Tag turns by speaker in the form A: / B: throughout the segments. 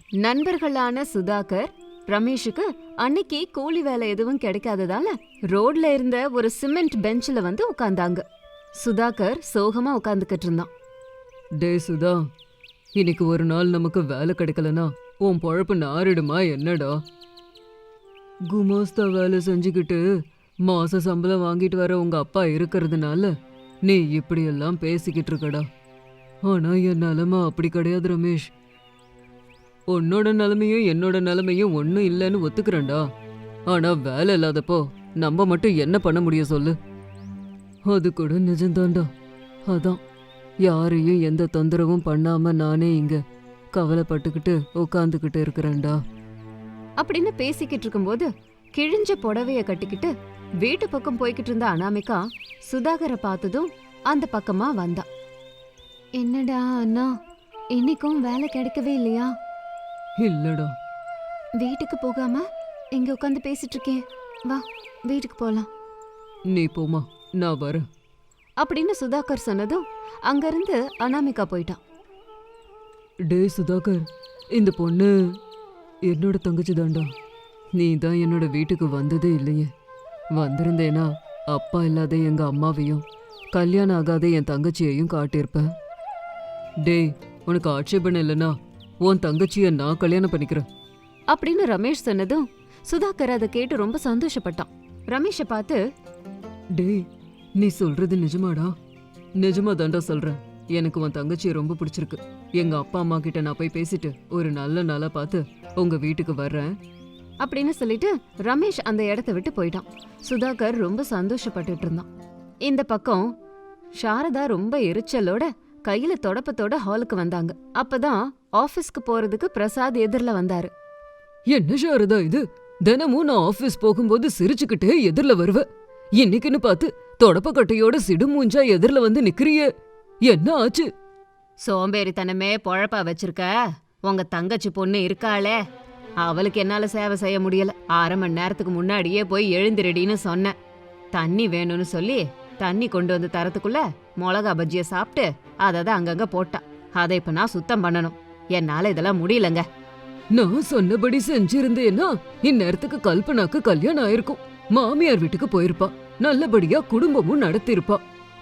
A: நண்பர்களான சுதாகர் ரமேஷுக்கு அன்னைக்கு கூலி வேலை எதுவும் கிடைக்காததால ரோட்ல இருந்த ஒரு சிமெண்ட் பெஞ்ச்ல வந்து உட்கார்ந்தாங்க. சுதாகர் சோகமா உட்கார்ந்துகிட்டு இருந்தான்.
B: டே சுதா, இன்னைக்கு ஒரு நாள் நமக்கு வேலை கிடைக்கலனா உன் பொழப்பு நாரிடுமா என்னடா? குமாஸ்தா வேலை செஞ்சுக்கிட்டு மாச சம்பளம் வாங்கிட்டு வர உங்க அப்பா இருக்கிறதுனால நீ இப்படியெல்லாம் பேசிக்கிட்டு இருக்கடா. ஆனா என் நிலைமை அப்படி கிடையாது ரமேஷ். உன்னோட நிலைமையும் என்னோட நிலைமையும் ஒன்றும் இல்லைன்னு ஒத்துக்கிறேன்டா. ஆனா வேலை இல்லாதப்போ நம்ம மட்டும் என்ன பண்ண முடியும் சொல்லு? அது கூட நிஜம்தான்டா. அதான் யாரையும் எந்த தொந்தரவும் பண்ணாம நானே இங்க கவலைப்பட்டுக்கிட்டு உட்காந்துக்கிட்டு இருக்கிறேன்டா
A: அப்படின்னு பேசிக்கிட்டு இருக்கும்போது கிழிஞ்ச புடவைய கட்டிக்கிட்டு வீட்டு பக்கம் போய்கிட்டு இருந்த அனாமிகா சுதாகரை பார்த்ததும் அந்த பக்கமா வந்தா. என்னடா அண்ணா, இன்னைக்கும் வேலை கிடைக்கவே இல்லையா?
B: இல்லடா.
A: வீட்டுக்கு போகாம இங்க உட்காந்து பேசிட்டு இருக்கேன், வா வீட்டுக்கு போலாம்.
B: நீ போமா, நான் வரேன்
A: அப்படின்னு சுதாகர் சொன்னதும் அங்கிருந்து அனாமிகா போயிட்டான்.
B: டே சுதாகர், இந்த பொண்ணு என்னோட தங்கச்சி தான்டா. நீ தான் என்னோட வீட்டுக்கு வந்ததே இல்லையே. வந்திருந்தேனா அப்பா இல்லாத எங்க அம்மாவையும் கல்யாணம் ஆகாத என் தங்கச்சியையும் காட்டியிருப்பேன். டேய், உனக்கு ஆட்சேபணம் இல்லைன்னா உன் தங்கச்சியை நான் கல்யாணம் பண்ணிக்கிறேன்
A: அப்படின்னு ரமேஷ் சொன்னதும் சுதாகர் அதை கேட்டு ரொம்ப சந்தோஷப்பட்டான். ரமேஷை பார்த்து,
B: டேய், நீ சொல்றது நிஜமாடா? நிஜமா தாண்டா சொல்றேன். எனக்கு உன் தங்கச்சியை ரொம்ப பிடிச்சிருக்கு. எங்க அப்பா அம்மா கிட்ட நான் போய் பேசிட்டு ஒரு நல்ல நாளா பார்த்து உங்க வீட்டுக்கு வர்றேன்
A: அப்படின்னு சொல்லிட்டு ரமேஷ் அந்த இடத்த விட்டு போயிட்டான். சுதாகர் ரொம்ப சந்தோஷப்பட்டுட்டு இருந்தான். இந்த பக்கம் சாரதா ரொம்ப எரிச்சலோட கையில தொடப்பத்தோட ஹாலுக்கு வந்தாங்க. அப்பதான் ஆபீஸ்க்கு போறதுக்கு பிரசாத் எதிர்ல வந்தாரு.
B: என்ன சாரதா இது? தினமும் நான் ஆபீஸ் போகும்போது சிரிச்சுக்கிட்டே எதிர்ல வருவ. இன்னைக்குன்னு பார்த்து தொடப்பக்கட்டையோட சிடுமூஞ்சா எதிர்ல வந்து நிக்கிறியே, என்ன ஆச்சு?
A: சோம்பேறித்தனமே பொழப்பா வச்சிருக்க. உங்க தங்கச்சி பொண்ணு இருக்காளே, அவளுக்கு என்னால சேவை செய்ய முடியல. 1/2 மணி நேரத்துக்கு முன்னாடியே போய் எழுந்திரடின்னு சொன்னேன். தண்ணி வேணும்னு சொல்லி தண்ணி கொண்டு வந்து தரத்துக்குள்ள மிளகா பஜ்ஜிய சாப்பிட்டு அதை அங்கங்க போட்டா. அதை இப்ப நான் சுத்தம் பண்ணணும். என்னால இதெல்லாம் முடியலங்க.
B: நான் சொன்னபடி செஞ்சிருந்தேன்னா இந்நேரத்துக்கு கல்பனாக்கு கல்யாணம் ஆயிருக்கும். மாமியார் வீட்டுக்கு போயிருப்பா, நல்லபடியா குடும்பமும் நடத்திருப்பா.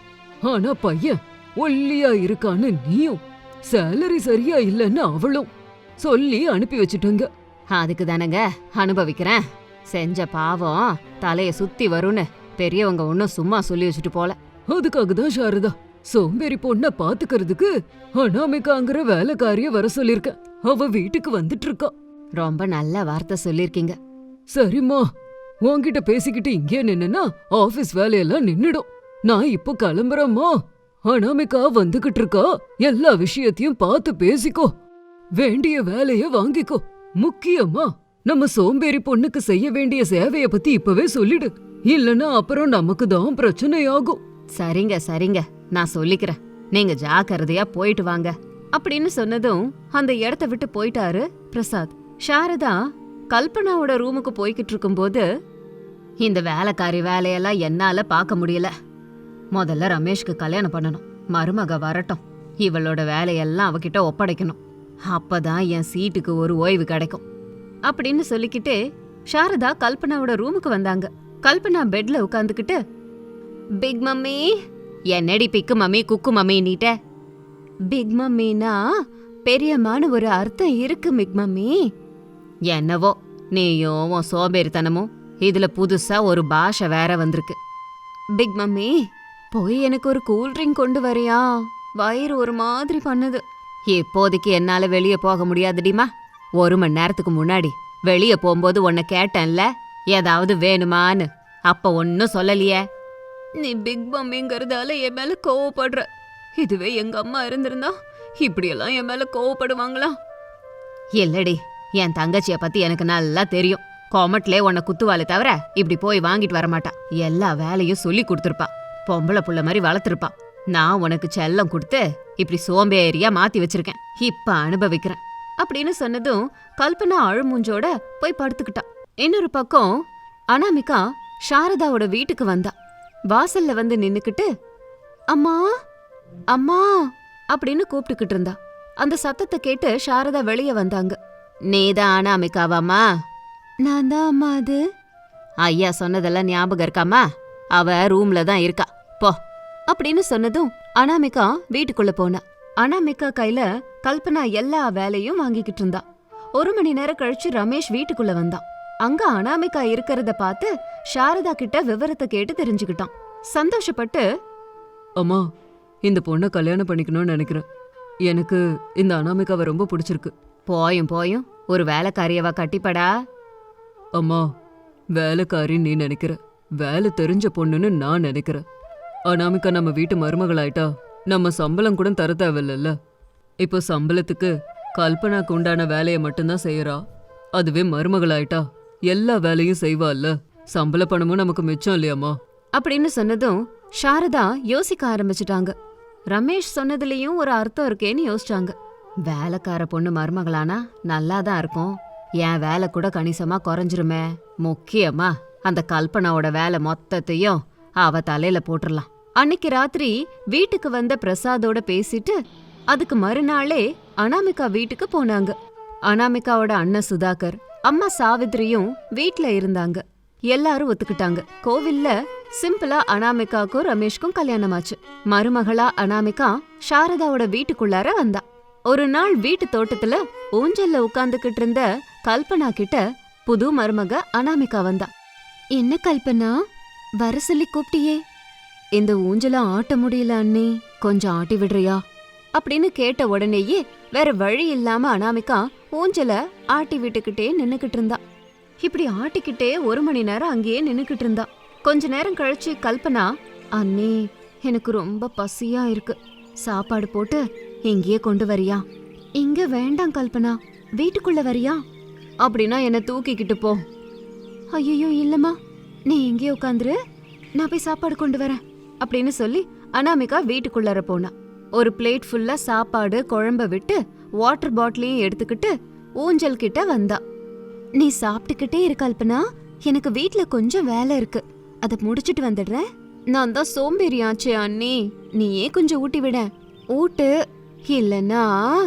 B: ஆனா பையன் ஒல்லியா இருக்கான்னு நீயும், சேலரி சரியா இல்லைன்னு அவளும் சொல்லி அனுப்பி வச்சுட்டங்க.
A: அதுக்கு தானங்க அனுபவிக்கிறேன். செஞ்ச பாவம் தலைய சுத்தி வரும்னு பெரியவங்க ஒன்னும் சும்மா சொல்லி வச்சுட்டு போல.
B: அதுக்காக தான் சாரதா சோம்பேறி பொண்ண பாத்துக்கிறதுக்கு அனாமிகாங்கிற வேலைக்காரிய வர சொல்லிருக்க. அவ வீட்டுக்கு வந்துட்டு இருக்கா.
A: ரொம்ப நல்ல வார்த்தை சொல்லிருக்கீங்க.
B: சரிம்மா, உன்கிட்ட பேசிக்கிட்டு இங்கே நின்னா ஆபீஸ் வேலையெல்லாம் நின்னுடும். நான் இப்போ கிளம்புறேம்மா. அனாமிகா வந்துகிட்டு இருக்கா. எல்லா விஷயத்தையும் பார்த்து பேசிக்கோ. வேண்டிய வேலைய வாங்கிக்கோ. முக்கியமா நம்ம சோம்பேறி பொண்ணுக்கு செய்ய வேண்டிய சேவைய பத்தி இப்பவே சொல்லிடு. இல்லன்னா அப்புறம் நமக்கு தான் பிரச்சனையாகும்.
A: சரிங்க சரிங்க, நான் சொல்லிக்கிறேன். நீங்க ஜாக்கிரதையா போயிட்டு வாங்க அப்படின்னு சொன்னதும் அந்த இடத்த விட்டு போயிட்டாரு பிரசாத். சாரதா கல்பனாவோட ரூமுக்கு போய்கிட்டு இருக்கும்போது, இந்த வேலைக்காரி வேலையெல்லாம் என்னால பார்க்க முடியல. முதல்ல ரமேஷ்க்கு கல்யாணம் பண்ணணும். மருமக வரட்டும், இவளோட வேலையெல்லாம் அவகிட்ட ஒப்படைக்கணும். அப்பதான் என் சீட்டுக்கு ஒரு ஓய்வு கிடைக்கும் அப்படின்னு சொல்லிக்கிட்டே சாரதா கல்பனாவோட ரூமுக்கு வந்தாங்க. கல்பனா பெட்ல உட்காந்துக்கிட்டு, பிக் மம்மி, என்னடி பிக்கு மம்மி குக்கு மம்மி நீட்ட? பிக் மம்மினா பெரியம்மான்னு ஒரு அர்த்தம் இருக்கு பிக் மம்மி. என்னவோ நீயும் உன் சோம்பேறித்தனமும், இதுல புதுசா ஒரு பாஷை வேற வந்திருக்கு. பிக் மம்மி, போய் எனக்கு ஒரு கூல்ட்ரிங்க் கொண்டு வரியா? வயிறு ஒரு மாதிரி பண்ணுது. இப்போதைக்கு என்னால வெளியே போக முடியாதுடிமா. 1 மணி நேரத்துக்கு முன்னாடி வெளியே போகும்போது உன்னை கேட்டேன்ல, ஏதாவது வேணுமான்னு. அப்ப ஒன்னும் சொல்லலையே. நீ பிக் மம்மிங்கிறதால என் மேல கோவப்படுற. இதுவே எங்க அம்மா இருந்திருந்தா இப்படியெல்லாம் என் மேல கோவப்படுவாங்களா? இல்லடி, என் தங்கச்சிய பத்தி எனக்கு நல்லா தெரியும். கொமட்லே உன்னை குத்துவாளே தவிர இப்படி போய் வாங்கிட்டு வரமாட்டா. எல்லா வேலையும் சொல்லி கொடுத்துருப்பா. பொம்பளை புள்ள மாதிரி வளர்த்துருப்பா. நான் உனக்கு செல்லம் கொடுத்து இப்படி சோம்பேறியா மாத்தி வச்சிருக்கேன். இப்ப அனுபவிக்கிறேன் அப்படின்னு சொன்னதும் கல்பனா அழுமூஞ்சோட போய் படுத்துக்கிட்டா. இன்னொரு பக்கம் அனாமிகா சாரதாவோட வீட்டுக்கு வந்தா. வாசல்ல வந்து நின்னுக்கிட்டு, அம்மா அம்மா அப்படின்னு கூப்பிட்டுக்கிட்டு இருந்தா. அந்த சத்தத்தை கேட்டு சாரதா வெளியே வந்தாங்க. நீதான் அனாமிகாவாம்மா? நான் தான் அம்மா. அது ஐயா சொன்னதெல்லாம் ஞாபகம் இருக்காமா? அவ ரூம்ல தான் இருக்கா, போ அப்படின்னு சொன்னதும் அனாமிகா வீட்டுக்குள்ள போனா. அனாமிகா கையில கல்பனா எல்லா வேலையும் வாங்கிக்கிட்டு இருந்தா. 1 மணி நேரம் கழிச்சு ரமேஷ் வீட்டுக்குள்ள வந்தான். அங்க அனாமிகா இருக்கிறத பார்த்து சாரதா கிட்ட விவரத்தை கேட்டு தெரிஞ்சுக்கிட்டான். சந்தோஷப்பட்டு,
B: அம்மா, இந்த பொண்ணை கல்யாணம் பண்ணிக்கணும்னு நினைக்கிறேன். எனக்கு இந்த அனாமிகாவை ரொம்ப பிடிச்சிருக்கு.
A: போயும் போயும் ஒரு வேலைக்காரியவா கட்டிப்படா.
B: அம்மா, வேலைக்காரின்னு நீ நினைக்கிற, வேலை தெரிஞ்ச பொண்ணுன்னு நான் நினைக்கிறேன். அனாமிகா நம்ம வீட்டு மருமகளாயிட்டா நம்ம சம்பளம் கூட தர தேவையில்ல. இப்போ சம்பளத்துக்கு கல்பனாக்கு உண்டான வேலையை மட்டும்தான் செய்யறா. அதுவே மருமகளாயிட்டா எல்லா வேலையும் செய்வாள்ல. சம்பள பணமும் நமக்கு மிச்சம் இல்லையாம்மா?
A: அப்படின்னு சொன்னதும் சாரதா யோசிக்க ஆரம்பிச்சிட்டாங்க. ரமேஷ் சொன்னதுலயும் ஒரு அர்த்தம் இருக்கேன்னு யோசிச்சாங்க. வேலைக்கார பொண்ணு மருமகளானா நல்லாதான் இருக்கும். என் வேலை கூட கணிசமா குறைஞ்சிருமே. முக்கியமா அந்த கல்பனாவோட வேலை மொத்தத்தையும் அவ தலையில போட்டுடலாம். அன்னைக்கு ராத்திரி வீட்டுக்கு வந்த பிரசாதோட பேசிட்டு அதுக்கு மறுநாளே அனாமிகா வீட்டுக்கு போனாங்க. அனாமிகாவோட அண்ணன் சுதாகர், அம்மா சாவித்திரியும் வீட்ல இருந்தாங்க. எல்லாரும் ஒத்துக்கிட்டாங்க. கோவில்ல சிம்பிளா அனாமிகாக்கும் ரமேஷ்க்கும் கல்யாணம் ஆச்சு. மருமகளா அனாமிகா சாரதாவோட வீட்டுக்குள்ளார வந்தா. ஒரு நாள் வீட்டு தோட்டத்துல ஊஞ்சல்ல உட்கார்ந்துகிட்டு இருந்த கல்பனா கிட்ட புது மருமக அனாமிகா வந்தா. என்ன கல்பனா, வர சொல்லி கூப்பிட்டியே? இந்த ஊஞ்சல ஆட்ட முடியல அண்ணி, கொஞ்சம் ஆட்டி விடுறியா அப்படின்னு கேட்ட உடனேயே வேற வழி இல்லாம அனாமிகா ஊஞ்சல ஆட்டி விட்டுக்கிட்டே நின்னுக்கிட்டு இருந்தா. இப்படி ஆட்டிக்கிட்டே 1 மணி நேரம் அங்கேயே நின்னுக்கிட்டு இருந்தா. கொஞ்ச நேரம் கழிச்சு கல்பனா, அண்ணி எனக்கு ரொம்ப பசியா இருக்கு, சாப்பாடு போட்டு இங்கேயே கொண்டு வரியா? இங்க வேண்டாம் கல்பனா, வீட்டுக்குள்ள வரியா? அப்படின்னா என்ன தூக்கிக்கிட்டு போ. ஐயோ இல்லம்மா, நீ இங்கே உட்காந்துரு, நான் போய் சாப்பாடு கொண்டு வரேன் அப்படின்னு சொல்லி அனாமிகா வீட்டுக்குள்ளார போனா. ஒரு பிளேட் ஃபுல்லா சாப்பாடு குழம்ப விட்டு வாட்டர் பாட்டிலையும் எடுத்துக்கிட்டு ஊஞ்சல் கிட்ட வந்தா. நீ சாப்பிட்டுக்கிட்டே இரு கல்பனா, எனக்கு வீட்ல கொஞ்சம் வேலை இருக்கு, அதை முடிச்சிட்டு வந்துடுறேன். நான் தான் சோம்பேறி ஆச்சே அண்ணி, நீயே கொஞ்சம் ஊட்டி விட. ஊட்டு, இல்லன்னா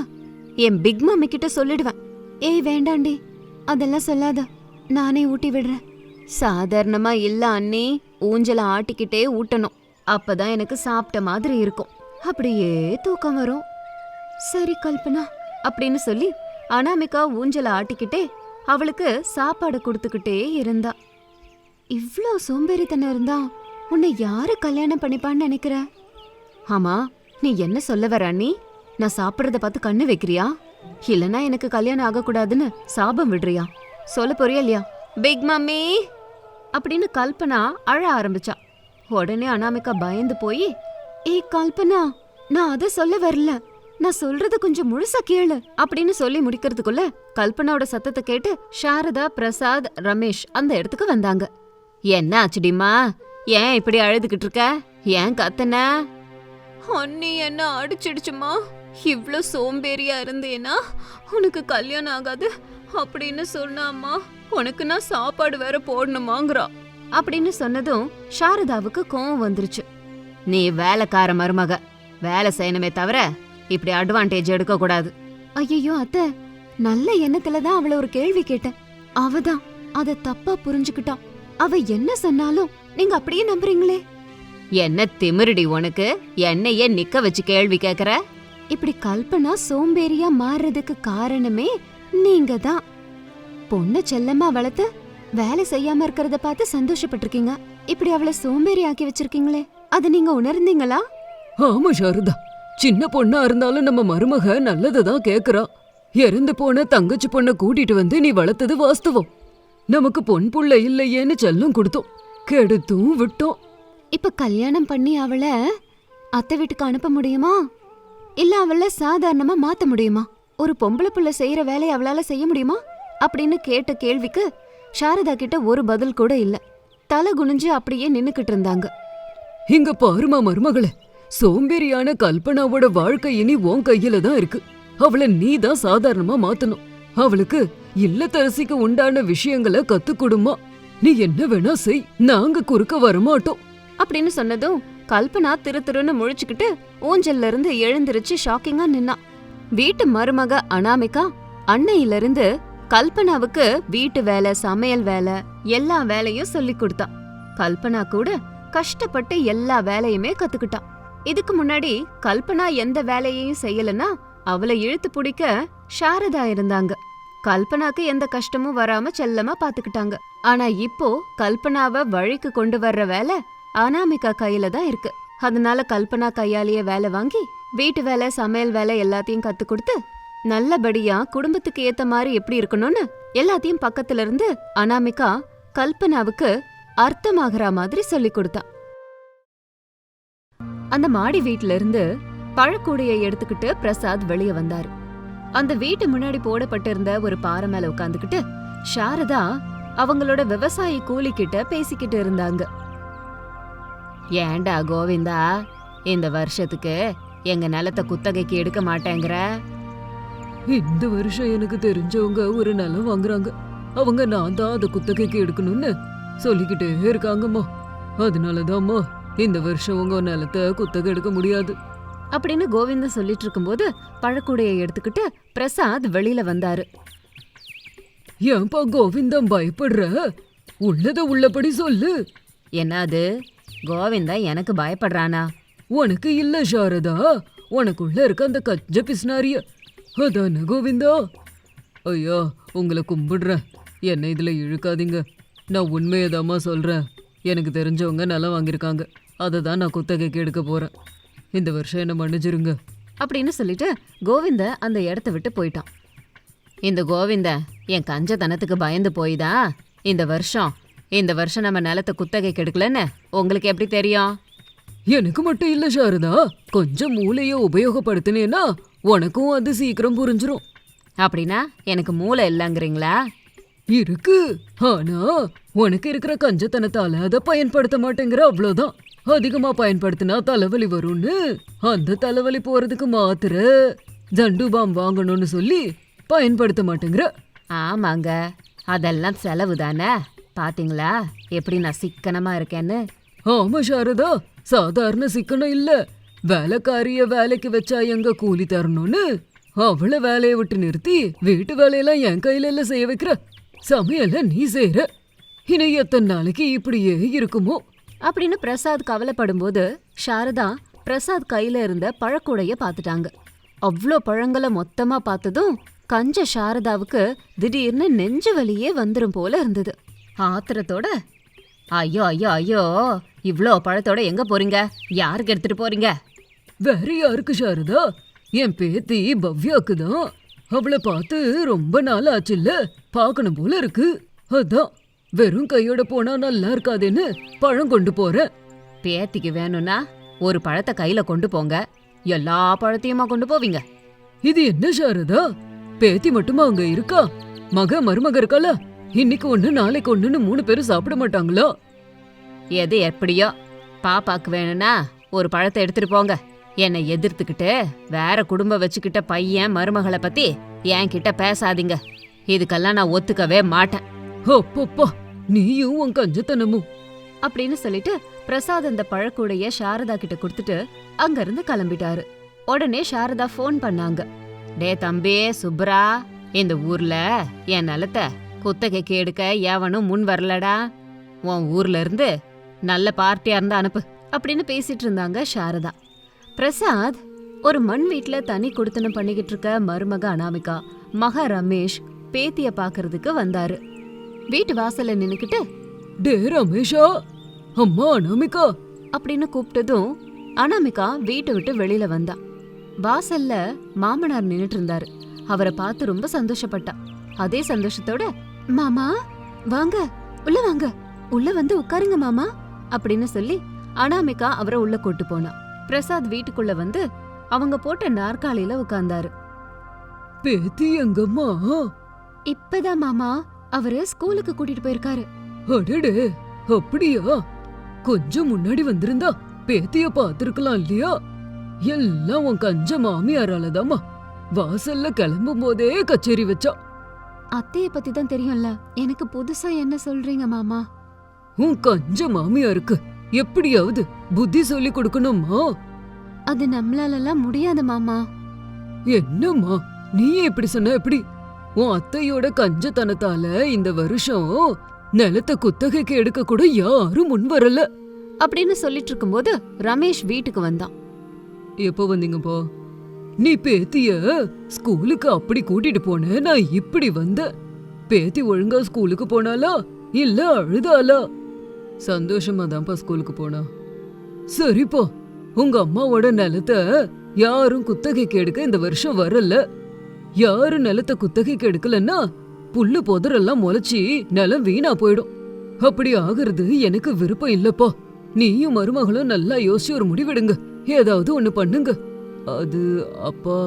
A: என் பிக் மம்மி கிட்ட சொல்லிடுவேன். ஏய் வேண்டாண்டி, அதெல்லாம் சொல்லாத, நானே ஊட்டி விடுறேன். சாதாரணமா இல்ல அண்ணி, ஊஞ்சல ஆட்டிக்கிட்டே ஊட்டணும், அப்பதான் எனக்கு சாப்பிட்ட மாதிரி இருக்கும், அப்படியே தூக்கம் வரும். சரி கல்பனா அப்படின்னு சொல்லி அனாமிகா ஊஞ்சல ஆட்டிக்கிட்டே அவளுக்கு சாப்பாடு கொடுத்துக்கிட்டே இருந்தா. இவ்ளோ சோம்பேறித்தனம் இருந்தா உன்னை யாரு கல்யாணம் பண்ணிப்பான்னு நினைக்கிற? ஆமா, நீ என்ன சொல்ல வர அண்ணி? நான் சாப்பிடுறத பார்த்து கண்ணு வைக்கிறியா? இல்லனா எனக்கு கல்யாணம் ஆகக்கூடாதுன்னு சாபம் விடுறியா? சொல்ல போறியா இல்லையா? பிக் மம்மி அப்படின்னு கல்பனா அழ ஆரம்பிச்சா. உடனே அனாமிகா பயந்து போய், ஏய் கல்பனா, நான் அத சொல்ல வரல, நான் சொல்றது கொஞ்சம் முழுசா கேளு அப்படின்னு சொல்லி முடிக்கிறதுக்குள்ள கல்பனாவோட சத்தத்தை கேட்டு சாரதா, பிரசாத், ரமேஷ் அந்த இடத்துக்கு வந்தாங்க. என்ன ஆச்சுடிமா, ஏன் இப்படி அழுதுகிட்டு இருக்க? ஏன் கத்தன? அண்ணி என்ன அடிச்சிடுச்சுமா, இவ்ளோ சோம்பேறியா இருந்தேனா உனக்கு கல்யாணம் ஆகாது அப்படின்னு சொன்னாம்மா, உனக்கு நான் சாப்பாடு வேற போடணுமாங்கிறா அப்படின்னு சொன்னதும் சாரதாவுக்கு கோவம் வந்துருச்சு. நீ வேலைக்கார மருமக, வேலை செய்யணுமே தவிர இப்படி அட்வான்டேஜ் எடுக்க கூடாது. ஐயோ அத்தை, நல்ல எண்ணத்துலதான் அவளை ஒரு கேள்வி கேட்டேன், அவதான் அத தப்பா புரிஞ்சுக்கிட்டா. அவ என்ன சொன்னாலும் நீங்க அப்படியே நம்புறீங்களே. என்ன திமிருடி உனக்கு, என்னையே நிக்க வச்சு கேள்வி கேக்குற? இப்படி கல்பனா சோம்பேறியா மாறுறதுக்கு காரணமே நீங்க தான். பொண்ணு செல்லமா வளர்த்து வேலை செய்யாம இருக்கிறத பார்த்து சந்தோஷப்பட்டிருக்கீங்க. இப்படி அவளை சோம்பேறி ஆக்கி வச்சிருக்கீங்களே, அது நீங்க உணர்ந்தீங்களா?
B: ஆமா சாரதா, சின்ன பொண்ணா இருந்தாலும் நம்ம மருமக நல்லதான் கேக்குறா. இறந்து போன தங்கச்சி பொண்ண கூட்டிட்டு வந்து நீ வளர்த்தது வாஸ்தவம். நமக்கு பொன் புள்ள இல்லையேன்னு செல்லம் கொடுத்தோம், கெடுத்தும் விட்டோம்.
A: இப்ப கல்யாணம் பண்ணி அவளை அத்தை வீட்டுக்கு அனுப்ப முடியுமா? இல்ல அவளை சாதாரணமா மாத்த முடியுமா? ஒரு பொம்பளை புள்ள செய்யற வேலையை அவளால செய்ய முடியுமா அப்படின்னு கேட்ட கேள்விக்கு சாரதா கிட்ட ஒரு பதில் கூட இல்ல. தலை குனிஞ்சு அப்படியே நின்னுக்கிட்டு இருந்தாங்க.
B: இங்க பாருமா மருமகளே, சோம்பேறியான கல்பனாவோட வாழ்க்கை இனி உன் கையில தான் இருக்கு. அவளை நீ தான் சாதாரணமா மாத்தணும். அவளுக்கு இல்லத்தரசிக்கு உண்டான விஷயங்களை கத்துக்கொடுமா. நீ என்ன வேணா செய், நாங்க குறுக்க வரமாட்டோம்
A: அப்படின்னு சொன்னதும் கல்பனா திருன்னு முழிச்சுக்கிட்டு ஊஞ்சல்ல இருந்து எழுந்திருச்சு ஷாக்கிங்கா நின்னா. வீட்டு மருமக அனாமிகா அன்னையிலிருந்து கல்பனாவுக்கு வீட்டு வேலை, சமையல் வேலை, எல்லா வேலையும் சொல்லி கொடுத்தான். கல்பனா கூட கஷ்டப்பட்டு எல்லா வேலையுமே கத்துக்கிட்டான். இதுக்கு முன்னாடி கல்பனா எந்த வேலையையும் செய்யலன்னா அவளை இழுத்து பிடிக்க சாரதா இருந்தாங்க. கல்பனாக்கு எந்த கஷ்டமும் வராம செல்லமா பாத்துக்கிட்டாங்க. ஆனா இப்போ கல்பனாவை வழிக்கு கொண்டு வர்ற வேலை அனாமிகா கையில தான் இருக்கு. அதனால கல்பனா கையாலேயே வேலை வாங்கி வீட்டு வேலை, சமையல் வேலை எல்லாத்தையும் கத்து கொடுத்து நல்லபடியா குடும்பத்துக்கு ஏத்த மாதிரி எப்படி இருக்கணும்னு எல்லாத்தையும் பக்கத்துல இருந்து அனாமிகா கல்பனாவுக்கு அர்த்தமாகற மாதிரி சொல்லி கொடுத்தா. அந்த மாடி வீட்ல இருந்து பழக்கூடைய எடுத்துக்கிட்டு பிரசாத் வெளியே வந்தாரு. அந்த வீட்டு முன்னாடி போடப்பட்டிருந்த ஒரு பாறை மேல உட்காந்துக்கிட்டு சாரதா அவங்களோட விவசாயி கூலி கிட்ட பேசிக்கிட்டு இருந்தாங்க. ஏண்டா கோவிந்தா, இந்த வருஷத்துக்கு எங்க நிலத்தை குத்தகைக்கு எடுக்க மாட்டேங்கிற?
B: இந்த வருஷம் எனக்கு தெரிஞ்சவங்க ஒரு நிலம் வாங்குறாங்க. அவங்க நான் தான் அதை குத்தகைக்கு எடுக்கணும்னு சொல்லிக்கிட்டே இருக்காங்கம்மா. அதனாலதாம்மா இந்த வருஷம் உங்க நிலத்தை குத்தகை எடுக்க முடியாது
A: அப்படின்னு கோவிந்தன் சொல்லிட்டு இருக்கும்போது பழக்கூடைய எடுத்துக்கிட்டு பிரசாத் வெளியில வந்தாரு.
B: ஏன்பா கோவிந்தம் பயப்படுற? உள்ளத உள்ளபடி சொல்லு.
A: என்னது, கோவிந்தா எனக்கு பயப்படுறானா?
B: உனக்கு இல்ல சாரதா, உனக்குள்ள இருக்க அந்த கஞ்ச பிஸ்னாரிய அதான கோவிந்தா. ஐயா, உங்களை கும்பிடுறேன், என்னை இதுல இழுக்காதீங்க. நான் உண்மையதாம்மா சொல்றேன். எனக்கு தெரிஞ்சவங்க நிலம் வாங்கியிருக்காங்க, அதை தான் நான் குத்தகைக்கு எடுக்க போறேன். இந்த வருஷம் என்ன மன்னிச்சிருங்க
A: அப்படின்னு சொல்லிட்டு கோவிந்த அந்த இடத்த விட்டு போயிட்டான். இந்த கோவிந்த என் கஞ்சத்தனத்துக்கு பயந்து போய்தா இந்த வருஷம் நம்ம நிலத்தை குத்தகைக்கு எடுக்கலன்னு உங்களுக்கு எப்படி தெரியும்?
B: எனக்கு மட்டும் இல்ல சாரதா, கொஞ்சம் மூளைய உபயோகப்படுத்தினேன்னா உனக்கும் அது சீக்கிரம் புரிஞ்சிரும்.
A: அப்படின்னா எனக்கு மூளை இல்லைங்கிறீங்களா?
B: இருக்கு, ஆனா உனக்கு இருக்கிற கஞ்சத்தனத்தால அதை பயன்படுத்த மாட்டேங்கிற, அவ்வளவுதான். அதிகமா பயன்படுத்தினா தலைவலி வரும்னு அந்த தலைவலி போறதுக்கு மாத்திர ஜண்டுபாம் வாங்கணும்னு சொல்லி பயன்படுத்த மாட்டேங்கிற.
A: ஆமாங்க, அதெல்லாம் செலவு தானே. பாத்தீங்களா எப்படி நான் சிக்கனமா இருக்கேன்னு?
B: ஆமா சாரதா, சாதாரண சிக்கனம் இல்ல. வேலைக்காரிய வேலைக்கு வச்சா எங்க கூலி தரணும்னு அவளை வேலையை விட்டு நிறுத்தி வீட்டு வேலையெல்லாம் என் கையில எல்லாம் செய்ய வைக்கிற. சமையல நீ செய்யற. இனி எத்தனை நாளைக்கு இப்படியே இருக்குமோ
A: அப்படின்னு பிரசாத் கவலைப்படும் போது சாரதா பிரசாத் கையில இருந்த பழக்கூடைய பாத்துட்டாங்க. அவ்வளோ பழங்களை மொத்தமா பார்த்ததும் கஞ்ச சாரதாவுக்கு திடீர்னு நெஞ்சு வலியே வந்துரும் போல இருந்தது. ஆத்திரத்தோட, ஐயோ ஐயோ ஐயோ, இவ்ளோ பழத்தோட எங்க போறீங்க? யாருக்கு எடுத்துட்டு போறீங்க?
B: வேற யாருக்கு சாரதா? என் பேத்தி பவ்யாக்கு தான். அவளை பார்த்து ரொம்ப நாள் ஆச்சுல்ல, பார்க்கணும் போல இருக்கு. அதான் வெறும் கையோட போனா நல்லா இருக்காதேன்னு பழம் கொண்டு போறேன்.
A: பேத்திக்கு வேணும்னா ஒரு பழத்தை கையில கொண்டு போங்க, எல்லா பழத்தையுமா கொண்டு போவீங்க?
B: இது என்ன சாரதா, பேத்தி மட்டுமா அங்க இருக்கா? மருமக இருக்கால, இன்னைக்கு ஒண்ணு நாளைக்கு ஒண்ணுன்னு 3 பேரும் சாப்பிட மாட்டாங்களா?
A: எது எப்படியோ, பாப்பாக்கு வேணும்னா ஒரு பழத்தை எடுத்துட்டு போங்க. என்னை எதிர்த்துக்கிட்டு வேற குடும்பம் வச்சுக்கிட்ட பையன் மருமகளை பத்தி என்கிட்ட பேசாதீங்க. இதுக்கெல்லாம் நான் ஒத்துக்கவே மாட்டேன்.
B: அப்பப்பா, நீயும் உன் கஞ்சத்தனமும்
A: அப்படின்னு சொல்லிட்டு பிரசாத் அந்த பழக்கூடைய சாரதா கிட்ட கொடுத்துட்டு அங்க இருந்து கிளம்பிட்டாரு. உடனே சாரதா ஃபோன் பண்ணாங்க. டே தம்பி சுப்ரா, இந்த ஊர்ல என் நிலத்தை குத்தகைக்கு எடுக்க எவனும் முன் வரலடா. உன் ஊர்ல இருந்து நல்ல பார்ட்டியா இருந்தா அனுப்பு அப்படின்னு பேசிட்டு இருந்தாங்க சாரதா. பிரசாத் ஒரு மண் வீட்ல தனி குடுத்தனம் பண்ணிக்கிட்டு இருக்க மருமக அனாமிகா, மக ரமேஷ் பேத்திய பாக்குறதுக்கு வந்தாரு. வீட்டு வாசல்ல நின்னுக்கிட்டு,
B: டே ரமேஷா, அம்மா அனாமிகா
A: அப்படின்னு கூப்பிட்டதும் அனாமிகா வீட்டை விட்டு வெளியில வந்தா. வாசல்ல மாமனார் நின்னுட்டு இருந்தாரு. அவரை பார்த்து ரொம்ப சந்தோஷப்பட்டா. அதே சந்தோஷத்தோட, மாமா வாங்க, உள்ள வாங்க, உள்ள வந்து உட்காருங்க மாமா அப்படின்னு சொல்லி அனாமிகா அவரை உள்ள கூட்டு போனா. பிரசாத் வீட்டுக்குள்ள வந்து அவங்க போட்ட நாற்காலியில உட்கார்ந்தாரு.
B: பேத்தி எங்கம்மா?
A: இப்பதான் மாமா அவரு ஸ்கூலுக்கு கூட்டிட்டு போயிருக்காரு.
B: அடடே, அப்படியா? கொஞ்சம் முன்னாடி வந்திருந்தா பேத்திய பாத்துருக்கலாம் இல்லையா? எல்லாம் உன் கஞ்ச மாமியாராலதாம்மா. வாசல்ல கிளம்பும் போதே கச்சேரி வச்சா.
A: அத்தைய பத்தி தான் தெரியும்ல, எனக்கு புதுசா என்ன சொல்றீங்க மாமா?
B: உன் கஞ்ச மாமியாருக்கு எப்படியாவது புத்தி சொல்லி கொடுக்கணுமா?
A: அது நம்மளாலலாம் முடியாது மாமா.
B: என்னம்மா நீயே இப்படி சொன்ன எப்படி? உன் அத்தையோட கஞ்சத்தனத்தால இந்த வருஷம் நிலத்தை குத்தகைக்கு எடுக்க கூட யாரும் முன் வரல.
A: அப்படின்னு சொல்லிட்டு இருக்கும்போது ரமேஷ் வீட்டுக்கு வந்தான்.
B: எப்போ வந்தீங்கப்பா? நீ பேத்திய ஸ்கூலுக்கு அப்படி கூட்டிட்டு போன, நான் இப்படி வந்த. பேத்தி ஒழுங்கா ஸ்கூலுக்கு போனாலா இல்ல அழுதாளா? சந்தோஷமா தான்ப்பா ஸ்கூலுக்கு போனா. சரிப்பா, உங்க அம்மாவோட நிலத்தை யாரும் குத்தகைக்கு எடுக்க இந்த வருஷம் வரல. யாரும் நிலத்தை குத்தகைக்கு எடுக்கலன்னா புல்லு புதரெல்லாம் முளைச்சி நிலம் வீணா போயிடும். அப்படி ஆகுறது எனக்கு விருப்பம் இல்லப்பா. நீயும் மருமகளும் நல்லா யோசிச்சு ஒரு முடிவெடுங்க. ஏதாவது ஒண்ணு பண்ணுங்க. அது அப்பா.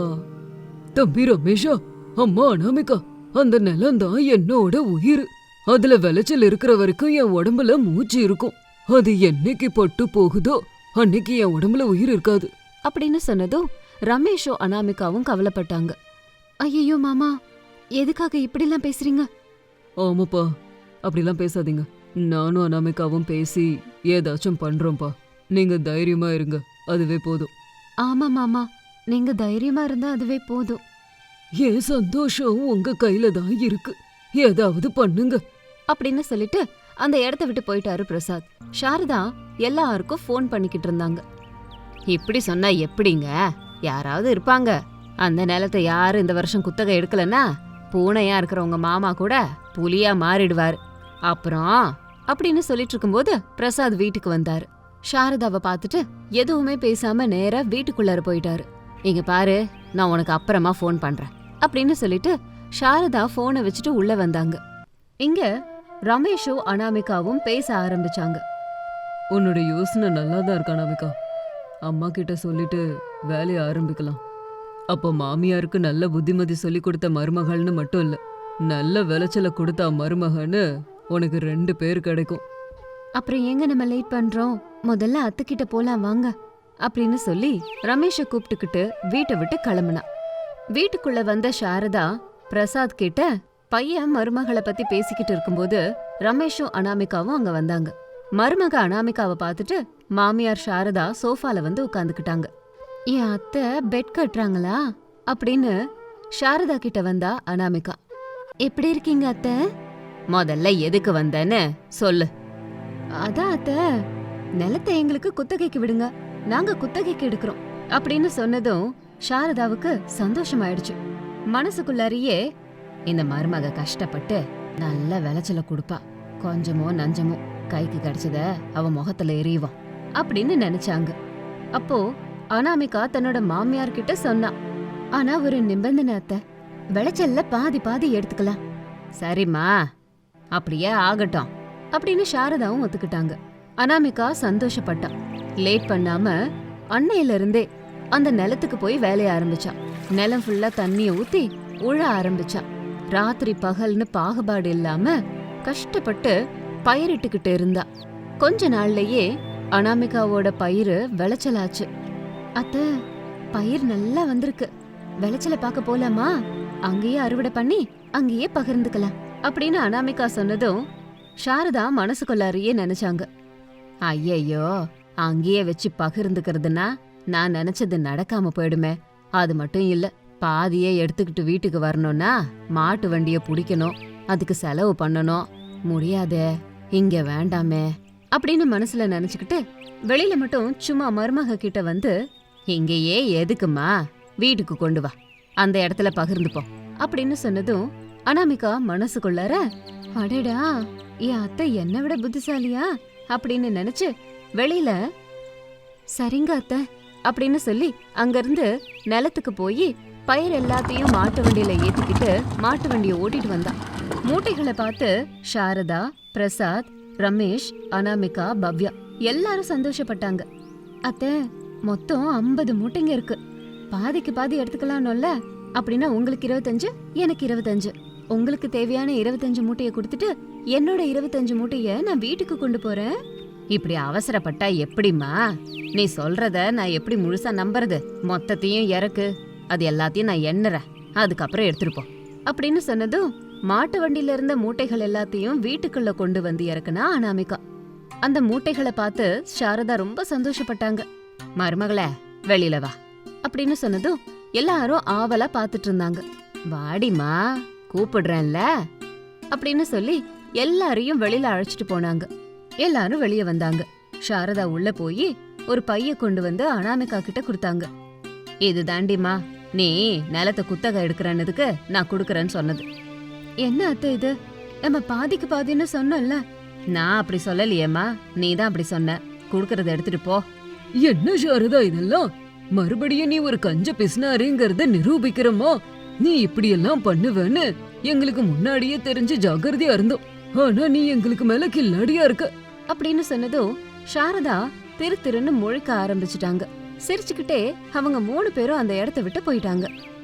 B: தம்பி ரமேஷா, அம்மா அனாமிகா, அந்த நிலம்தான் என்னோட உயிர். அதுல விளைச்சல் இருக்கிற வரைக்கும் என் உடம்புல மூச்சு இருக்கும். அது என்னைக்கு பட்டு போகுதோ அன்னைக்கு என் உடம்புல உயிர் இருக்காது
A: அப்படின்னு சொன்னதும் ரமேஷும் அனாமிகாவும் கவலைப்பட்டாங்க. ஐயோ மாமா, எதுக்காக இப்படிலாம் பேசுறீங்க?
B: ஆமாப்பா, அப்படிலாம் பேசாதீங்க. நானும் அனாமிகாவும் பேசி ஏதாச்சும் பண்றோம்ப்பா. நீங்க தைரியமா இருங்க, அதுவே போதும்.
A: ஆமா மாமா, நீங்க தைரியமா இருந்தா அதுவே போதும்.
B: என் சந்தோஷம் உங்க கையில தான் இருக்கு. ஏதாவது பண்ணுங்க
A: அப்படின்னு சொல்லிட்டு அந்த இடத்த விட்டு போயிட்டாரு பிரசாத். சாரதா எல்லாருக்கும் ஃபோன் பண்ணிக்கிட்டு இருந்தாங்க. இப்படி சொன்னா எப்படிங்க? யாராவது இருப்பாங்க. அந்த நிலத்தை யாரும் இந்த வருஷம் குத்தகை எடுக்கலன்னா பூனையா இருக்கிற உங்க மாமா கூட புலியா மாறிடுவாரு. அப்புறம் அப்படின்னு சொல்லிட்டு இருக்கும்போது பிரசாத் வீட்டுக்கு வந்தாரு. சாரதாவை பார்த்துட்டு எதுவுமே பேசாம நேரா வீட்டுக்குள்ளார போயிட்டாரு. இங்க பாரு, நான் உனக்கு அப்புறமா ஃபோன் பண்றேன் அப்படின்னு சொல்லிட்டு சாரதா போனை வச்சுட்டு உள்ள வந்தாங்க. இங்க ரமேஷும் அனாமிகாவும் பேச ஆரம்பிச்சாங்க.
B: உன்னோட யோசனை நல்லா தான் இருக்கா அனாமிகா. அம்மா கிட்ட சொல்லிட்டு வேலையை ஆரம்பிக்கலாம். அப்போ மாமியாருக்கு நல்ல புத்திமதி சொல்லி கொடுத்த மருமகள்னு மட்டும் இல்ல, நல்ல விளைச்சலை கொடுத்தா மருமகன்னு உனக்கு 2 பேர் கிடைக்கும்.
A: அப்புறம் எங்க நம்ம லேட் பண்றோம், முதல்ல அத்துக்கிட்ட போலாம் வாங்க அப்படின்னு சொல்லி ரமேஷை கூப்பிட்டுக்கிட்டு வீட்டை விட்டு கிளம்புனா. வீட்டுக்குள்ள வந்த சாரதா பிரசாத் கிட்ட பையன் மருமகளை பத்தி பேசிக்கிட்டு இருக்கும்போது ரமேஷும் அனாமிகாவும் அங்க வந்தாங்க. மருமக அனாமிகாவை பார்த்துட்டு மாமியார் சாரதா சோஃபால வந்து உட்காந்துக்கிட்டாங்க. என் அத்தை பெட் கட்டுறாங்களா அப்படின்னு சாரதா கிட்ட வந்தா அனாமிகா. எப்படி இருக்கீங்க அத்தை? முதல்ல எதுக்கு வந்தேன்னு சொல்லு. அதான் அத்தை, நிலத்தை எங்களுக்கு குத்தகைக்கு விடுங்க, நாங்க குத்தகைக்கு எடுக்கிறோம் அப்படின்னு சொன்னதும் சாரதாவுக்கு சந்தோஷமாயிடுச்சு. மனசுக்குள்ளாரியே இந்த மருமக கஷ்டப்பட்டு நல்ல விளைச்சல கொடுப்பா, கொஞ்சமோ நஞ்சமோ கைக்கு கிடைச்சத அவ முகத்துல எறிவான் அப்படின்னு நினைச்சாங்க. அப்போ அனாமிகா தன்னோட மாமியார் கிட்ட சொன்னா, ஆனா ஒரு நிபந்தனை அத்தை, விளைச்சல்ல பாதி பாதி எடுத்துக்கலாம். சரிம்மா, அப்படியே ஆகட்டும் அப்படின்னு சாரதாவும் ஒத்துக்கிட்டாங்க. அனாமிகா சந்தோஷப்பட்டா. லேட் பண்ணாம அன்னையில இருந்தே அந்த நிலத்துக்கு போய் வேலைய ஆரம்பிச்சா. நிலம் ஃபுல்லா தண்ணிய ஊத்தி உழ ஆரம்பிச்சா. ராத்திரி பகல்னு பாகுபாடு இல்லாம கஷ்டப்பட்டு பயிரிட்டுக்கிட்டு இருந்தா. கொஞ்ச நாள்லயே அனாமிகாவோட பயிர் விளைச்சலாச்சு. அத்த, பயிர் நல்லா வந்திருக்கு, விளைச்சல பார்க்க போலாமா? அங்கேயே அறுவடை பண்ணி அங்கேயே பகிர்ந்துக்கலாம் அப்படின்னு அனாமிகா சொன்னதும் சாரதா மனசுக்குள்ளாரியே நினைச்சாங்க. ஐயையோ, அங்கேயே வச்சு பகிர்ந்துக்கிறதுனா நான் நினைச்சது நடக்காம போயிடுமே. அது மட்டும் இல்ல, பாதியே எடுத்துக்கிட்டு வீட்டுக்கு வரணும்னா மாட்டு வண்டிய பிடிக்கணும், அதுக்கு செலவு பண்ணணும். முடியாதே, இங்க வேண்டாமே அப்படின்னு மனசுல நினைச்சுக்கிட்டு வெளியில மட்டும் சும்மா மருமக கிட்ட வந்து, இங்கேயே எதுக்குமா, வீட்டுக்கு கொண்டு வா, அந்த இடத்துல பகிர்ந்துப்போம் அப்படின்னு சொன்னதும் அனாமிகா மனசுக்குள்ளார, அடடா என் அத்தை என்னை விட புத்திசாலியா அப்படின்னு நினைச்சு வெளியில சரிங்க அத்தை அப்படின்னு சொல்லி அங்கிருந்து நிலத்துக்கு போய் பயிர் எல்லாத்தையும் மாட்டு வண்டியில ஏத்திக்கிட்டு மாட்டு வண்டியை ஓட்டிட்டு வந்தா. மூட்டைகளை பார்த்து சாரதா, பிரசாத், ரமேஷ், அனாமிகா, பவ்யா எல்லாரும் சந்தோஷப்பட்டாங்க. அத்தை, மொத்தம் 50 மூட்டைங்க இருக்கு, பாதிக்கு பாதி எடுத்துக்கலாம்ல. அப்படின்னா உங்களுக்கு 25, எனக்கு 25. உங்களுக்கு தேவையான 25 மூட்டையை கொடுத்துட்டு என்னோட 25 மூட்டைய நான் வீட்டுக்கு கொண்டு போறேன். இப்படி அவசரப்பட்டா எப்படிமா? நீ சொல்றத நான் எப்படி முழுசா நம்புறது? மொத்தத்தையும் இறக்கு, அது எல்லாத்தையும் நான் எண்ணுறேன், அதுக்கப்புறம் எடுத்துருப்போம் அப்படின்னு சொன்னதும் மாட்டு வண்டியில இருந்த மூட்டைகள் எல்லாத்தையும் வீட்டுக்குள்ள கொண்டு வந்து இறக்குனா அனாமிகா. அந்த மூட்டைகளை பார்த்து சாரதா ரொம்ப சந்தோஷப்பட்டாங்க. மருமகளே, வெளியில வா அப்படின்னு சொன்னதும் எல்லாரும் ஆவலா பாத்துட்டு இருந்தாங்க. வாடிமா, கூப்பிடுறேன்ல அப்படின்னு சொல்லி எல்லாரையும் வெளியில அழைச்சிட்டு போனாங்க. எல்லாரும் வெளிய வந்தாங்க. சாரதா உள்ள போய் ஒரு பைய கொண்டு வந்து அனாமிகா கிட்ட கொடுத்தாங்க. இது தாண்டிமா நீ நிலத்தை குத்தகை எடுக்கிறன்னதுக்கு நான் குடுக்கறேன்னு சொன்னது. என்ன அத்தை இது, நம்ம பாதிக்கு பாதின்னு சொன்னோம்ல. நான் அப்படி சொல்லலையேம்மா, நீ தான் அப்படி சொன்ன. குடுக்கறத எடுத்துட்டு போ.
B: என்ன சாரதா இதெல்லாம்? மறுபடியும் நீ ஒரு கஞ்ச பிசினாருங்கிறத நிரூபிக்கிறமா? நீ இப்படியெல்லாம் பண்ணுவேன்னு எங்களுக்கு முன்னாடியே தெரிஞ்சு ஜாக்கிரதையா இருந்தோம். ஆனா நீ எங்களுக்கு மேல கில்லாடியா இருக்க
A: அப்படின்னு சொன்னதும் சாரதா திரு திருன்னு முழிக்க ஆரம்பிச்சுட்டாங்க. சிரிச்சுக்கிட்டே அவங்க 3 பேரும் அந்த இடத்த விட்டு போயிட்டாங்க.